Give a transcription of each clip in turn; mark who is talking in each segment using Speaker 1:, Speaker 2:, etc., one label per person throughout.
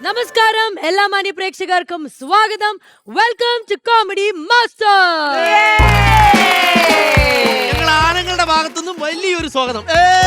Speaker 1: നമസ്കാരം എല്ലാ മാന്യ പ്രേക്ഷകർക്കും സ്വാഗതം. Welcome to comedy master.
Speaker 2: ഞങ്ങൾ ആണുങ്ങളുടെ ഭാഗത്തുനിന്നും വലിയൊരു സ്വാഗതം.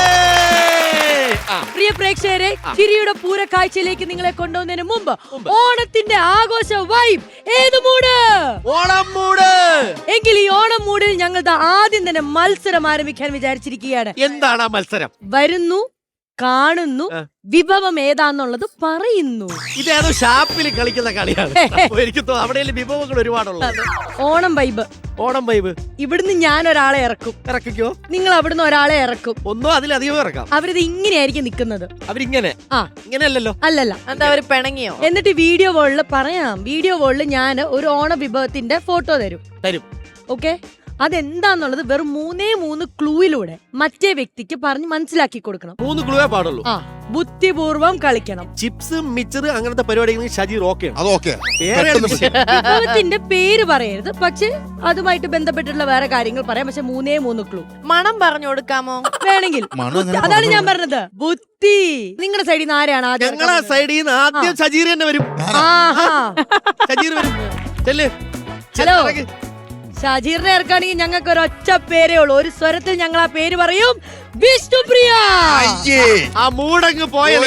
Speaker 1: പ്രിയ പ്രേക്ഷകരെ, ചിരിയുടെ പൂരക്കാഴ്ചയിലേക്ക് നിങ്ങളെ കൊണ്ടുവന്നതിന് മുമ്പ് ഓണത്തിന്റെ ആഘോഷ വൈബ് ഏത് മൂഡ്?
Speaker 2: ഓണം മൂഡ്.
Speaker 1: എങ്കിൽ ഈ ഓണം മൂഡിൽ ഞങ്ങൾ ആദ്യം തന്നെ മത്സരം ആരംഭിക്കാൻ വിചാരിച്ചിരിക്കുകയാണ്.
Speaker 2: എന്താണ് ആ മത്സരം?
Speaker 1: വരുന്നു, കാണുന്നു, വിഭവം ഏതാന്നുള്ളത് പറയുന്നു.
Speaker 2: ഇതേതോ ഷാപ്പിൽ കളിക്കുന്ന കളിയാണ്. എനിക്ക് അവിടെ വിഭവങ്ങൾ ഒരുപാടുള്ളത്.
Speaker 1: ഓണം വൈബ്.
Speaker 2: ഓണം വൈബ്.
Speaker 1: ഇവിടുന്ന് ഞാൻ ഒരാളെ ഇറക്കും.
Speaker 2: ഇറക്കിക്കോ.
Speaker 1: നിങ്ങൾ അവിടുന്ന് ഒരാളെ ഇറക്കും.
Speaker 2: ഒന്നോ അതിലധികം ഇറക്കാം.
Speaker 1: അവരിത് ഇങ്ങനെയായിരിക്കും നിക്കുന്നത്.
Speaker 2: അവരിങ്ങനെ ഇങ്ങനെയല്ലല്ലോ.
Speaker 1: അല്ലല്ല,
Speaker 3: എന്താ അവര് പിണങ്ങിയോ?
Speaker 1: എന്നിട്ട് വീഡിയോ വോളിൽ പറയാം. വീഡിയോ വോളിൽ ഞാൻ ഒരു ഓണ വിഭവത്തിന്റെ ഫോട്ടോ തരും. ഓക്കെ, അതെന്താന്നുള്ളത് വെറും 3 ക്ലൂയിലൂടെ മറ്റേ വ്യക്തിക്ക് പറഞ്ഞ് മനസ്സിലാക്കി കൊടുക്കണം.
Speaker 2: 3 ക്ലൂവേ പാടുള്ളൂ.
Speaker 1: ബുദ്ധിപൂർവം കളിക്കണം.
Speaker 2: ചിപ്സ് മിച്ചർ അങ്ങനത്തെ പരിപാടികൾ ഷജീർ ഓക്കെ.
Speaker 1: വിഭവത്തിന്റെ പേര് പറയരുത്, പക്ഷെ അതുമായിട്ട് ബന്ധപ്പെട്ടിട്ടുള്ള വേറെ കാര്യങ്ങൾ പറയാം. പക്ഷെ 3 ക്ലൂ.
Speaker 3: മണം പറഞ്ഞു കൊടുക്കാമോ?
Speaker 1: വേണമെങ്കിൽ. അതാണ് ഞാൻ പറഞ്ഞത്, ബുദ്ധി. നിങ്ങളുടെ സൈഡിൽ നിന്ന് ആരാണ് ആദ്യം?
Speaker 2: ഞങ്ങളെ സൈഡിൽ നിന്ന് ആദ്യം ഷജീർ തന്നെ വരും. ഷജീർ വരും.
Speaker 1: ഹലോ, ഷജീറിനെ ഇറക്കുകയാണെങ്കിൽ ഞങ്ങൾക്ക് ഒരു ഒറ്റ പേരേ ഉള്ളൂ. ഒരു സ്വരത്തിൽ ഞങ്ങൾ ആ പേര് പറയും, വിഷ്ണുപ്രിയ.
Speaker 2: ആ മൂടങ്ങ് പോയത്.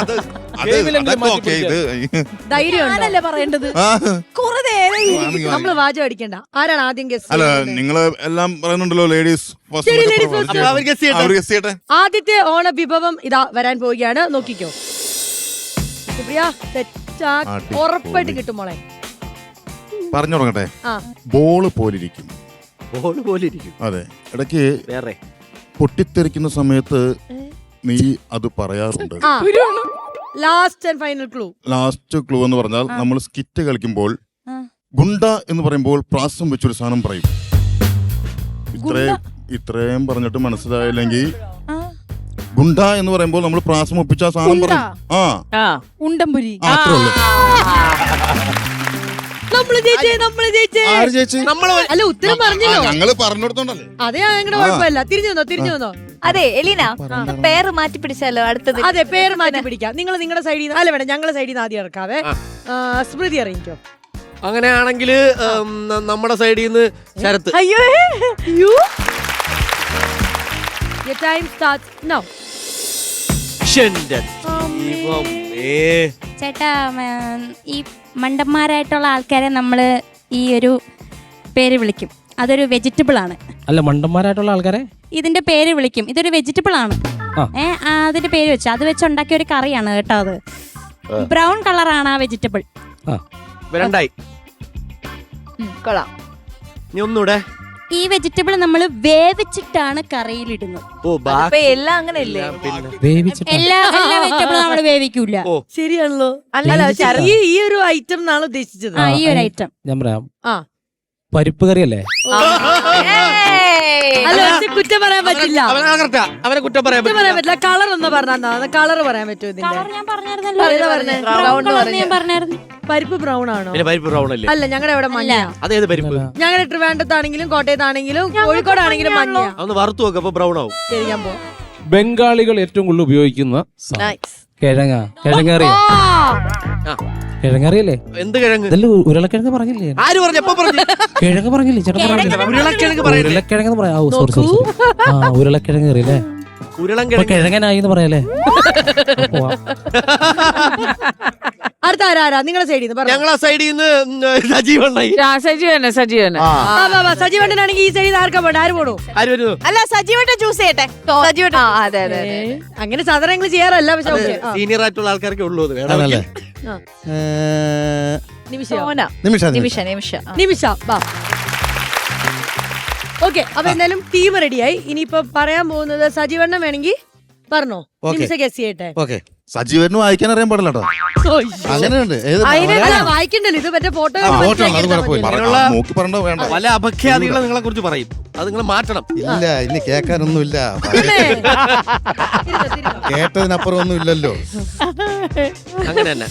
Speaker 1: ധൈര്യമല്ലേ പറയേണ്ടത്? നമ്മള് വാചകം അടിക്കണ്ട. ആരാണ് ആദ്യം ഗസ്?
Speaker 4: അല്ല, നിങ്ങള് എല്ലാം പറയുന്നുണ്ടല്ലോ ലേഡീസ്.
Speaker 1: ആദ്യത്തെ ഓണ വിഭവം ഇതാ വരാൻ പോവുകയാണ്. നോക്കിക്കോ വിഷ്ണുപ്രിയ, തെറ്റാ ഉറപ്പായിട്ട് കിട്ടും മോളെ.
Speaker 4: പറഞ്ഞു തുടങ്ങട്ടെ. ബോള് പോലിരിക്കും.
Speaker 2: ബോള് പോലിരിക്കും.
Speaker 4: അതെ, ഇടയ്ക്ക്
Speaker 2: വേറെ
Speaker 4: പൊട്ടിത്തെറിക്കുന്ന സമയത്ത് നീ അത് പറയാറുണ്ട്.
Speaker 1: Last and final clue.
Speaker 4: Last clue എന്ന് പറഞ്ഞാൽ നമ്മൾ സ്കിറ്റ് കളിക്കുമ്പോൾ ഗുണ്ട എന്ന് പറയുമ്പോൾ പ്രാസം വെച്ചൊരു സാധനം പറയും. ഇത്രയും പറഞ്ഞിട്ട് മനസ്സിലായില്ലെങ്കിൽ ഗുണ്ട എന്ന് പറയുമ്പോൾ നമ്മൾ പ്രാസം ഒപ്പിച്ച ആ സാധനം പറയും.
Speaker 1: ഉണ്ടംപുരി.
Speaker 4: അത്രേ ഉള്ളൂ.
Speaker 1: അല്ല, ഉത്തരം പറഞ്ഞല്ലോ.
Speaker 4: ഞങ്ങള് പറഞ്ഞു കൊടുത്തോണ്ടല്ലേ.
Speaker 1: അതെ, ഞങ്ങളുടെ കുഴപ്പമില്ല. തിരിഞ്ഞു വന്നോ.
Speaker 3: അതെ എലീന, പേര് മാറ്റി പിടിച്ചാലോ അടുത്തത്?
Speaker 1: അതെ, പേര് മാറ്റി പിടിക്കാം. നിങ്ങൾ നിങ്ങളുടെ സൈഡിൽ നിന്ന്, അല്ല വേണം, ഞങ്ങളുടെ സൈഡിൽ നിന്ന് ആദ്യം ഇറക്കാവേ. സ്മൃതി അറിയിക്കോ.
Speaker 2: അങ്ങനെയാണെങ്കിൽ നമ്മുടെ സൈഡിൽ നിന്ന് ശരത്ത്.
Speaker 1: അയ്യോ, ടൈം സ്റ്റാർട്ട്സ് നൗ.
Speaker 5: ചേട്ടാ, ഈ മണ്ടന്മാരായിട്ടുള്ള ആൾക്കാരെ നമ്മള് ഈ ഒരു പേര് വിളിക്കും. അതൊരു വെജിറ്റബിൾ ആണ്.
Speaker 6: അല്ല, മണ്ടന്മാരായിട്ടുള്ള ആൾക്കാരെ
Speaker 5: ഇതിന്റെ പേര് വിളിക്കും. ഇതൊരു വെജിറ്റബിൾ ആണ്. അതിന്റെ പേര് വെച്ച് അത് വെച്ച് ഉണ്ടാക്കിയ ഒരു കറിയാണ് കേട്ടോ. അത് ബ്രൗൺ കളറാണ് ആ വെജിറ്റബിൾ.
Speaker 3: കൊള്ളാം.
Speaker 2: ഒന്നൂടെ.
Speaker 5: ഈ വെജിറ്റബിൾ നമ്മൾ വേവിച്ചിട്ടാണ് കറിയിലിടുന്നത്.
Speaker 3: എല്ലാം അങ്ങനെയല്ലേ?
Speaker 5: എല്ലാ വെജിറ്റബിളും നമ്മൾ വേവിക്കൂല.
Speaker 1: ശരിയാണല്ലോ. അല്ല, ഈ ഒരു ഐറ്റം എന്നാണ് ഉദ്ദേശിച്ചത്.
Speaker 5: ഈ ഒരു ഐറ്റം
Speaker 6: ഞാൻ പറയാം. പരിപ്പ് കറിയല്ലേ?
Speaker 1: അല്ല, കുറ്റം പറയാൻ പറ്റില്ല.
Speaker 2: അവനെ കുറ്റം പറയാൻ
Speaker 1: പറ്റില്ല. കളർ ഒന്ന് പറഞ്ഞാ കളർ പറയാൻ പറ്റുമോ? ഇതിന്റെ
Speaker 5: ഞാൻ പറഞ്ഞായിരുന്നു.
Speaker 1: പരിപ്പ് ബ്രൗൺ ആണോ?
Speaker 2: പരിപ്പ് ബ്രൗൺ അല്ലേ?
Speaker 1: അല്ല, ഞങ്ങളുടെ ഇവിടെ മഞ്ഞ.
Speaker 2: അതേത് പരിപ്പ്?
Speaker 1: ഞങ്ങളുടെ ട്രിവാൻഡ്രത്താണെങ്കിലും കോട്ടയത്താണെങ്കിലും കോഴിക്കോടാണെങ്കിലും മഞ്ഞ.
Speaker 2: ഒന്ന് വറുത്തു നോക്ക്, അപ്പൊ ബ്രൗൺ ആവും.
Speaker 1: ശരി, ഞാൻ പോ.
Speaker 6: ബംഗാളികൾ ഏറ്റവും കൂടുതൽ ഉപയോഗിക്കുന്ന കിഴങ്ങറിയല്ലേ?
Speaker 2: എന്ത് കിഴങ്ങ്?
Speaker 6: ഉരുളക്കിഴങ്ങ് പറഞ്ഞില്ലേ?
Speaker 2: ആര് പറഞ്ഞു? എപ്പോ പറഞ്ഞു?
Speaker 6: കിഴങ്ങ് പറഞ്ഞില്ലേ? ഉരുളക്കിഴങ്ങ് പറയാ. ഉരുളക്കിഴങ്ങ് അറിയില്ലേ? കിഴങ്ങനായി പറയല്ലേ?
Speaker 1: അടുത്ത ആരാ നിങ്ങളുടെ സൈഡിൽ നിന്ന്?
Speaker 2: ഞങ്ങളെ സൈഡിൽ നിന്ന്
Speaker 1: സജീവണ്ണനാണെങ്കിൽ ഈ സൈഡിൽ ആർക്കാ പോട്ടെ? ആര് പോണു?
Speaker 3: അല്ല, സജീവട്ടെ ചൂസ് ചെയ്യട്ടെ.
Speaker 1: അങ്ങനെ സാധാരണ ഞങ്ങൾ ചെയ്യാറല്ല. പക്ഷെ
Speaker 2: സീനിയർ ആയിട്ടുള്ള ആൾക്കാർക്ക് ഉള്ളൂ.
Speaker 1: നിമിഷ. ഓക്കെ, അപ്പൊ എന്തായാലും ടീം റെഡിയായി. ഇനിയിപ്പോ പറയാൻ പോകുന്നത് സജീവണ്ണൻ വേണമെങ്കിൽ പറഞ്ഞോ. നിമിഷ ഗസ് ചെയ്യട്ടെ.
Speaker 4: സജീവനും വായിക്കാൻ അറിയാൻ പാടില്ല കേട്ടോ. അങ്ങനെയുണ്ട്.
Speaker 1: വായിക്കണ്ടല്ലോ, ഇത് മറ്റേ ഫോട്ടോ.
Speaker 2: പല അപഖ്യാതികളെ നിങ്ങളെ കുറിച്ച് പറയും. അത് നിങ്ങൾ മാറ്റണം.
Speaker 4: ഇല്ല, ഇനി കേൾക്കാനൊന്നുമില്ല. കേട്ടതിനപ്പുറം ഒന്നും ഇല്ലല്ലോ.
Speaker 2: അങ്ങനെ തന്നെ.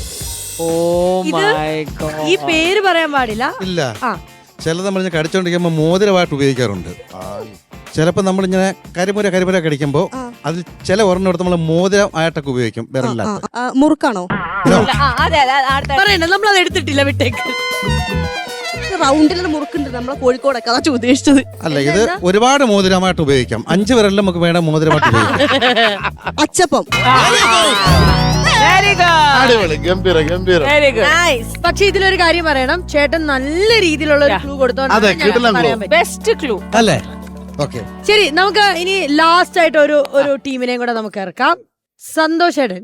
Speaker 1: ഈ പേര് പറയാൻ പാടില്ല.
Speaker 7: ഇല്ല, ചിലത് നമ്മൾ കടിച്ചോണ്ടിരിക്കുമ്പോ മോതിരമായിട്ട് ഉപയോഗിക്കാറുണ്ട്. ചിലപ്പോ നമ്മളിങ്ങനെ കരിമുര കടിക്കുമ്പോ അതിൽ ചില ഒരെണ്ണം എടുത്ത് നമ്മൾ മോതിരം ആയിട്ടൊക്കെ ഉപയോഗിക്കും. വിരലിനകത്ത്
Speaker 8: മുറുക്കാണോ?
Speaker 3: അതെ അതെ അടുത്ത
Speaker 1: പറയണ്ട നമ്മൾ അത് എടുത്തിട്ടില്ല, വിട്ടേക്ക്.
Speaker 8: റൗണ്ടിലുള്ള മുറുക്കുണ്ട് നമ്മളെ കോഴിക്കോടൊക്കെ അതാ ഉദ്ദേശിച്ചത്.
Speaker 7: അല്ല ഇത് ഒരുപാട് മോതിരമായിട്ട് ഉപയോഗിക്കാം. 5 വിരലിൽ നമുക്ക് വേണ്ട മോതിരമായിട്ട് ഉപയോഗിക്കാം.
Speaker 8: അച്ചപ്പം.
Speaker 3: വെരി ഗുഡ്
Speaker 4: അടിപൊളി, ഗംഭീര ഗംഭീര.
Speaker 3: Very good nice.
Speaker 1: പക്ഷെ ഇതിലൊരു കാര്യം പറയണം, ചേട്ടൻ നല്ല രീതിയിലുള്ള ഒരു ക്ലൂ
Speaker 4: അതെ, കിടിലൻ clue.
Speaker 1: കൊടുത്തോണ്ട്
Speaker 3: ബെസ്റ്റ് ക്ലൂ
Speaker 6: അല്ലേ?
Speaker 7: ഓക്കെ,
Speaker 1: ശരി, നമുക്ക് ഇനി ലാസ്റ്റ് ആയിട്ട് ഒരു ടീമിനെയും കൂടെ നമുക്ക് ഇറക്കാം. സന്തോഷേടൻ.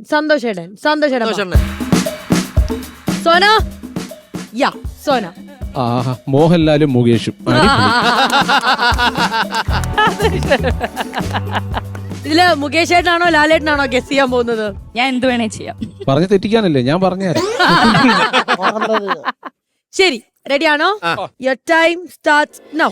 Speaker 1: സോന. യാ സോന.
Speaker 6: ആഹാ, മോഹൻലാലും മുകേഷും.
Speaker 1: ഇതില് മുകേഷ് ഏട്ടനാണോ ലാലേട്ടനാണോ ഗസ് ചെയ്യാൻ പോകുന്നത്?
Speaker 3: ഞാൻ എന്ത് വേണേ ചെയ്യാം.
Speaker 6: പറഞ്ഞു തെറ്റിക്കാനല്ലേ ഞാൻ പറഞ്ഞുതരാം.
Speaker 1: ശരി, റെഡിയാണോ? Your time starts now.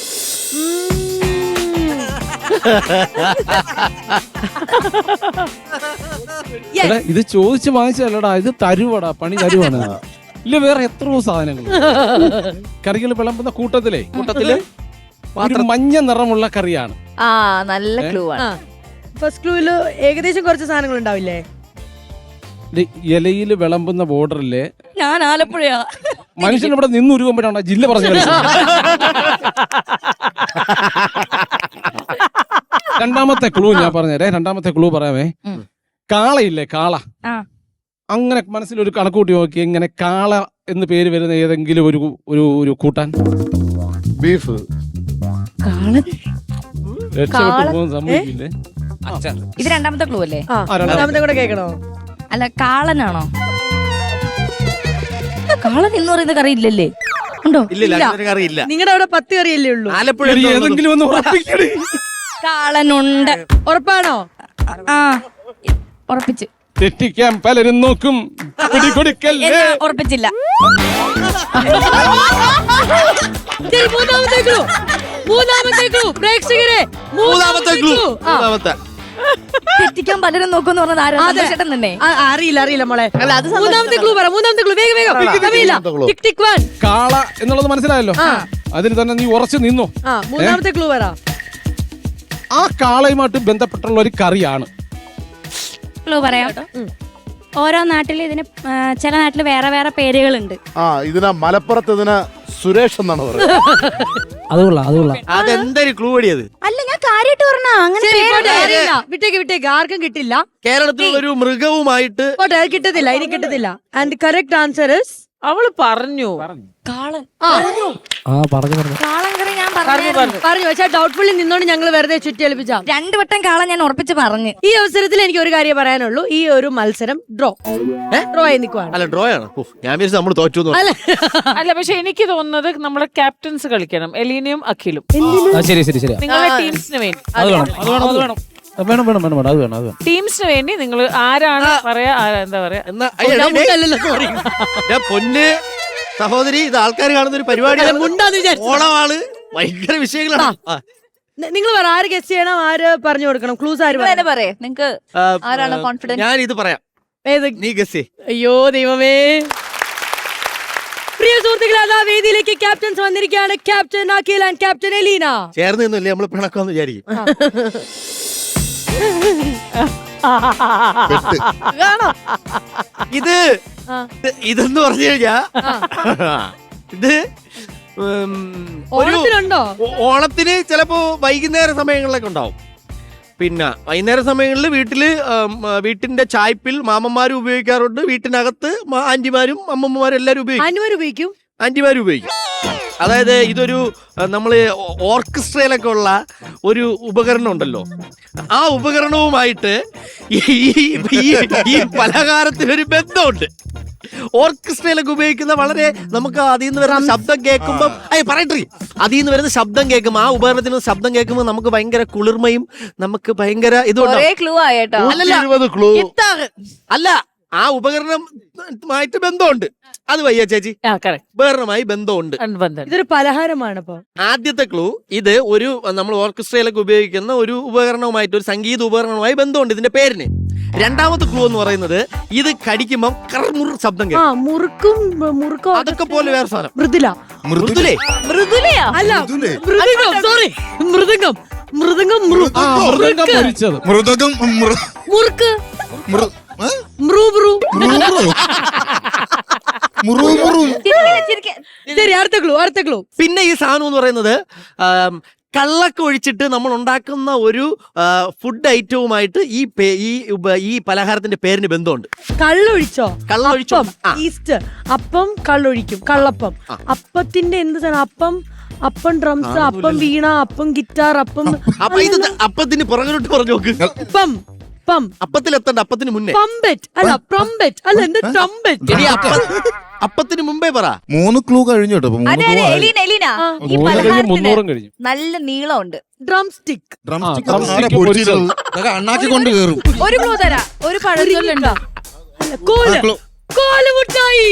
Speaker 6: എടാ, ഇത് ചോദിച്ച് വാങ്ങിച്ചല്ലടാ, ഇത് തരുവടാ, പണി തരുവാണ്. ഇല്ല, വേറെ എത്രയോ സാധനങ്ങൾ കറികൾ വിളമ്പുന്ന കൂട്ടത്തില് ഒരു മഞ്ഞ നിറമുള്ള കറിയാണ്.
Speaker 3: ആ നല്ല ക്ലൂ ആണ്.
Speaker 1: ഫസ്റ്റ് ക്ലൂവില് ഏകദേശം കുറച്ച് സാധനങ്ങൾ ഉണ്ടാവില്ലേ?
Speaker 6: ഇലയിൽ വിളമ്പുന്ന ബോർഡറിലെ
Speaker 3: ഞാൻ ആലപ്പുഴയാ.
Speaker 6: മനുഷ്യൻ ഇവിടെ നിന്ന് ഉരുകുമ്പോഴാണ് ജില്ല പറഞ്ഞു. രണ്ടാമത്തെ ക്ലൂ ഞാൻ പറഞ്ഞേരേ. രണ്ടാമത്തെ ക്ലൂ പറയാമേ. കാളയില്ലേ, കാള. അങ്ങനെ മനസ്സിലൊരു കണക്കൂട്ടി നോക്കി, ഇങ്ങനെ കാള എന്ന് പേര് വരുന്ന ഏതെങ്കിലും ഒരു കൂട്ടാൻ.
Speaker 4: ബീഫ്.
Speaker 6: രക്ഷപ്പെട്ടു പോകുന്ന സംഭവിക്കില്ലേ?
Speaker 3: ഇത് രണ്ടാമത്തെ ക്ലൂ അല്ലേ?
Speaker 1: രണ്ടാമത്തെ കൂടെ കേൾക്കണോ?
Speaker 3: അല്ല, കാളനാണോ? കാളൻ എന്ന് പറയുന്ന കറി ഇല്ലല്ലേ? ഉണ്ടോ?
Speaker 2: ഇല്ല, അറിയില്ല.
Speaker 1: നിങ്ങളുടെ അവിടെ 10 കറിയല്ലേ ഉള്ളൂ?
Speaker 2: ആലപ്പുഴ
Speaker 6: ഏതെങ്കിലും ഒന്ന് ഉറപ്പിക്കണേ.
Speaker 3: കാളനുണ്ട്.
Speaker 1: ഉറപ്പാണോ?
Speaker 3: ആ ഉറപ്പിച്ച്.
Speaker 6: തെറ്റിക്കാൻ പലരും നോക്കും, പിടികൊടുക്കല്ലേ.
Speaker 3: എന്നാ ഉറപ്പിച്ചില്ല.
Speaker 1: ശരി, മൂന്നാമത്തെ ക്ലൂ പ്രേക്ഷകരെ.
Speaker 2: മൂന്നാമത്തെ ക്ലൂ.
Speaker 3: തെറ്റിക്കാൻ പലരും നോക്കുമെന്ന് പറഞ്ഞത് ആരും ചേട്ടൻ തന്നെ.
Speaker 1: അറിയില്ല മോളെ. മൂന്നാമത്തെ ക്ലൂ പറ. മൂന്നാമത്തെ ക്ലൂ വേഗം. ടിക് ടിക് 1.
Speaker 6: കാള എന്നുള്ളത് മനസ്സിലായല്ലോ. അതിന് തന്നെ നീ ഉറച്ചു നിന്നു.
Speaker 1: മൂന്നാമത്തെ ക്ലൂ പറ.
Speaker 6: ആ കാളയുമായിട്ട് ബന്ധപ്പെട്ടുള്ള ഒരു കറിയാണ്.
Speaker 5: ക്ലൂ പറയാം. ഓരോ നാട്ടിൽ ഇതിന് ചില നാട്ടിൽ വേറെ വേറെ പേരുകളുണ്ട്.
Speaker 4: ഇതിനാ മലപ്പുറത്ത് ഇതിന് സുരേഷ് എന്നാണ് പറയുന്നത്.
Speaker 6: അതുകൊള്ളാം.
Speaker 2: അതെന്തൊരു ക്ലൂ അടിയത്?
Speaker 5: അല്ല, ഞാൻ കാര്യമായിട്ട് പറഞ്ഞ അങ്ങനെ
Speaker 1: വിട്ടേക്ക് ആർക്കും കിട്ടില്ല.
Speaker 2: കേരളത്തിലുള്ള ഒരു മൃഗവുമായിട്ട്
Speaker 1: പോട്ടെ, അത് കിട്ടത്തില്ല, ഇനി കിട്ടത്തില്ല. ആൻഡ് കറക്റ്റ് ആൻസർ ഇസ്
Speaker 3: അവള് പറഞ്ഞു കാളൻ. കാളൻ കറി ഞാൻ
Speaker 1: പറഞ്ഞു. പക്ഷേ ഡൗട്ട്ഫുള്ളി നിന്നോണ്ട് ഞങ്ങൾ വെറുതെ ചുറ്റിയലിപ്പിച്ച
Speaker 3: 2 വട്ടം കാളൻ ഞാൻ ഉറപ്പിച്ച് പറഞ്ഞു.
Speaker 1: ഈ അവസരത്തിൽ എനിക്ക് ഒരു കാര്യം പറയാനുള്ളൂ. ഈ ഒരു മത്സരം ഡ്രോ ആയി നിൽക്കുവാണ്.
Speaker 2: അല്ല, ഡ്രോ ആണ്. ഞാൻ വിചാരിച്ചു നമ്മൾ തോറ്റു.
Speaker 9: അല്ല, പക്ഷെ എനിക്ക് തോന്നുന്നത് നമ്മുടെ ക്യാപ്റ്റൻസ് കളിക്കണം, എലീനയും അഖിലും.
Speaker 6: ശരി.
Speaker 9: നിങ്ങളുടെ ടീംസിന് വേണ്ടി ടീംസിന് വേണ്ടി നിങ്ങൾ ആരാണ് പറയാ, എന്താ പറയാ,
Speaker 2: പൊന്ന് സഹോദരി, ഇത് ആൾക്കാർ കാണുന്ന ഒരു പരിപാടി. ഓണമാണ്, ഭയങ്കര വിഷയങ്ങളാണ്.
Speaker 1: നിങ്ങൾ പറ, ആര് ഗസ് ചെയ്യണം, ആര് പറഞ്ഞു കൊടുക്കണം? ക്ലൂസ് ആര്
Speaker 3: പറയാ? നിങ്ങക്ക് ആരാണ് കോൺഫിഡൻസ്?
Speaker 2: ഞാൻ ഇത് പറയാം, നീ ഗസ്.
Speaker 1: അയ്യോ ദൈവമേ. പ്രിയ സുഹൃത്തുക്കളെ, അതാ വേദിയിലേക്ക് ക്യാപ്റ്റൻസ് വന്നിരിക്കുകയാണ്. Captain Akhil and captain Elena.
Speaker 2: ചേർന്ന് നിന്നില്ലേ നമ്മൾ പിണക്കാന്ന് വിചാരിക്കും. ഇതെന്ന് പറഞ്ഞു കഴിഞ്ഞാ ഇത്
Speaker 1: ഓണത്തിനുണ്ടോ?
Speaker 2: ഓണത്തിന് ചിലപ്പോ വൈകുന്നേര സമയങ്ങളിലൊക്കെ ഉണ്ടാവും. പിന്നെ വൈകുന്നേര സമയങ്ങളിൽ വീട്ടിന്റെ ചായ്പിൽ മാമന്മാരും ഉപയോഗിക്കാറുണ്ട്. വീട്ടിനകത്ത് ആന്റിമാരും അമ്മമ്മമാരും എല്ലാരും ഉപയോഗിക്കും. ആന്റിമാരും ഉപയോഗിക്കും. അതായത് ഇതൊരു നമ്മള് ഓർക്കസ്ട്രയിലൊക്കെ ഉള്ള ഒരു ഉപകരണം ഉണ്ടല്ലോ, ആ ഉപകരണവുമായിട്ട് ഈ പലഹാരത്തിനൊരു ബന്ധമുണ്ട്. ഓർക്കസ്ട്രയിലൊക്കെ ഉപയോഗിക്കുന്ന വളരെ നമുക്ക് അതിൽ നിന്ന് വരുന്ന ശബ്ദം കേൾക്കുമ്പോൾ അതിൽ നിന്ന് വരുന്ന ശബ്ദം കേൾക്കുമ്പോൾ, ആ ഉപകരണത്തിൽ നിന്ന് ശബ്ദം കേൾക്കുമ്പോൾ നമുക്ക് ഭയങ്കര കുളിർമയും നമുക്ക് ഭയങ്കര അല്ല, ആ ഉപകരണമായിട്ട് ബന്ധമുണ്ട്. അത് വയ്യ ചേച്ചി, ഉപകരണമായി ബന്ധമുണ്ട്.
Speaker 1: ഇതൊരു പലഹാരമാണ്.
Speaker 2: ആദ്യത്തെ ക്ലൂ, ഇത് ഒരു നമ്മൾ ഓർക്കസ്ട്രയിലൊക്കെ ഉപയോഗിക്കുന്ന ഒരു ഉപകരണവുമായിട്ട്, ഒരു സംഗീത ഉപകരണവുമായി ബന്ധമുണ്ട് ഇതിന്റെ പേരിന്. രണ്ടാമത്തെ ക്ലൂ എന്ന് പറയുന്നത്, ഇത് കടിക്കുമ്പോൾ കർമുർ ശബ്ദം കേൾക്കും.
Speaker 1: മുറുക്കും
Speaker 2: അതൊക്കെ പോലെ വേറെ സാധനം.
Speaker 1: മൃദംഗം. മ്രൂ ബ്രൂ. ശരി, അടുത്ത ക്ലൂ.
Speaker 2: പിന്നെ ഈ സാധനം എന്ന് പറയുന്നത് കള്ളൊക്കെ ഒഴിച്ചിട്ട് നമ്മൾ ഉണ്ടാക്കുന്ന ഒരു ഫുഡ് ഐറ്റവുമായിട്ട് ഈ പലഹാരത്തിന്റെ പേരിന് ബന്ധമുണ്ട്.
Speaker 1: കള്ളൊഴിച്ചോ?
Speaker 2: കള്ളൊഴിച്ചോ?
Speaker 1: ഈസ്റ്റ് അപ്പം കള്ളൊഴിക്കും. കള്ളപ്പം. അപ്പത്തിന്റെ എന്ത് സാധനം? അപ്പം ഡ്രംസ്, അപ്പം വീണ, അപ്പം ഗിറ്റാർ, അപ്പം.
Speaker 2: അപ്പൊ ഇത് അപ്പത്തിന് പുറകിലോട്ട് പറഞ്ഞു നോക്ക്. അപ്പത്തിലെത്തണ്ട, അപ്പത്തിന് മുന്നേ.
Speaker 1: പമ്പറ്റ് അല്ല, പ്രംബറ്റ് അല്ല, എന്ത് ട്രംബറ്റ്?
Speaker 2: അപ്പത്തിന് മുമ്പേ പറ.
Speaker 4: 3 ക്ലൂ കഴിഞ്ഞു കേട്ടോ.
Speaker 3: അതെ അതെ, എലീന എലീന ഈ
Speaker 6: 300
Speaker 3: പലഹാരത്തിന്
Speaker 6: കഴിഞ്ഞു.
Speaker 3: നല്ല നീളമുണ്ട്.
Speaker 1: Drum stick.
Speaker 7: അണ്ണാക്കി കൊണ്ട് കയറും.
Speaker 3: ഒരു ക്ലൂ തരാ, ഒരു പഴഞ്ചൊല്ലുണ്ടോ?
Speaker 1: കോല്. കോല് മുട്ടായി.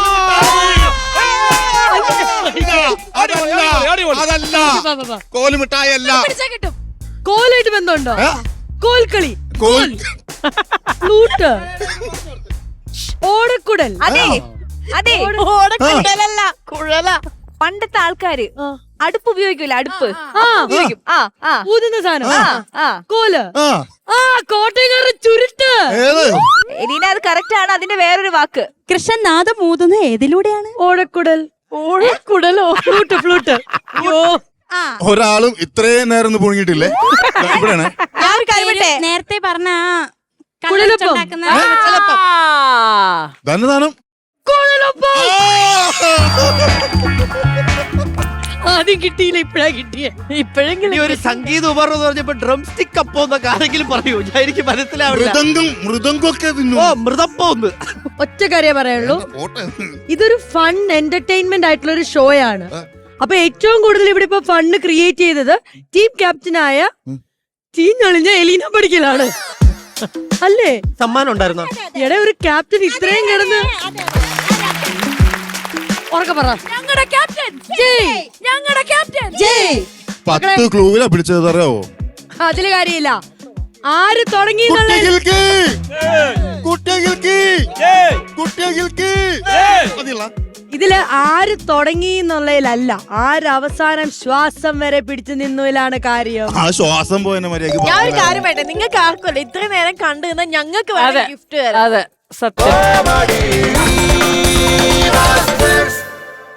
Speaker 4: കോലുമിഠായി അല്ല.
Speaker 3: പിടിച്ചാ കിട്ടും.
Speaker 1: കോലായിട്ട് ബന്ധമുണ്ടോ? കോൽക്കളി. ഫ്ലൂട്ട്. ഓടക്കുടൽ.
Speaker 3: അതെ അതെ, ഓടക്കുഴലല്ല, കുഴല. പണ്ടത്തെ ആൾക്കാര് അടുപ്പ് ഉപയോഗിക്കൂല, അടുപ്പ് ഉപയോഗിക്കും.
Speaker 1: ഊതുന്ന സാധനം.
Speaker 3: ആ
Speaker 1: കോല്. കോട്ടയക്കാരുടെ ചുരുട്ട്.
Speaker 3: എലീന, അത് കറക്റ്റ് ആണ്. അതിന്റെ വേറൊരു വാക്ക്.
Speaker 5: കൃഷ്ണൻ നാദം ഊതുന്നത് ഏതിലൂടെയാണ്?
Speaker 1: ഓടക്കുടൽ. ഓടക്കുടലോ? ഫ്ലൂട്ട്. അയ്യോ,
Speaker 4: ഒരാളും ഇത്രയും നേരം ഒന്നും പൊങ്ങിയിട്ടില്ലേ? ഇവിടെയാണ്
Speaker 3: ഞാൻ ഒരു കാര്യം പറയട്ടെ?
Speaker 5: നേരത്തെ പറഞ്ഞ
Speaker 1: കുഴലപ്പം.
Speaker 4: ധനദാനം.
Speaker 1: കുഴലപ്പം. ആദ്യം കിട്ടിയില്ല, ഇപ്പഴാ കിട്ടിയ.
Speaker 2: ഇനി ഒരു സംഗീത ഉപകരണം എന്ന് പറഞ്ഞപ്പോ ഡ്രം സ്റ്റിക്ക് അപ്പോ എന്നൊക്കെ ആരെങ്കിലും പറയൂ? ഞാൻ എനിക്ക് മനസ്സിലാവില്ല.
Speaker 4: മൃദംഗമൊക്കെ
Speaker 2: ഓ, മൃദപ്പോ ഒന്ന്.
Speaker 1: ഒറ്റ കാര്യം പറയാനുള്ളൂ, ഇതൊരു ഫൺ എന്റർടൈൻമെന്റ് ആയിട്ടുള്ള ഒരു ഷോ ആണ്. അപ്പൊ ഏറ്റവും കൂടുതൽ ഇവിടെ ഇപ്പൊ ഫണ്ട് ക്രിയേറ്റ് ചെയ്തത് ടീം ക്യാപ്റ്റനായ ചീഞ്ഞൊളിഞ്ഞ എലീന പഠിക്കലാണ്, അല്ലേ?
Speaker 2: സമ്മാനം ഉണ്ടായിരുന്നോ?
Speaker 1: എടാ, ഒരു ക്യാപ്റ്റൻ ഇത്രയും കിടന്ന് ഉറക്കെ പറ.
Speaker 3: ഞങ്ങളുടെ ക്യാപ്റ്റൻ
Speaker 1: ജയ്.
Speaker 3: ഞങ്ങളുടെ ക്യാപ്റ്റൻ
Speaker 1: ജയ്.
Speaker 4: 10 ക്ലൂവിലാ പിടിച്ചത് അറിയാവോ?
Speaker 1: അതില് കാര്യമില്ല. ആര് തുടങ്ങി ഇതില് ആര് തുടങ്ങി എന്നുള്ളതിലല്ല, ആര് അവസാനം ശ്വാസം വരെ പിടിച്ചു നിന്നതിലാണ് കാര്യം.
Speaker 4: ആ ശ്വാസം പോയെന്നെ മര്യാദ.
Speaker 8: ഞാൻ ഒരു കാര്യം പറയട്ടെ, നിങ്ങൾക്ക് ആർക്കുമല്ല ഇത്രയും നേരം കണ്ടു നിന്നാൽ ഞങ്ങൾക്ക്
Speaker 9: അതെ
Speaker 8: ഗിഫ്റ്റ് തരാം.
Speaker 9: അതെ, സത്യം.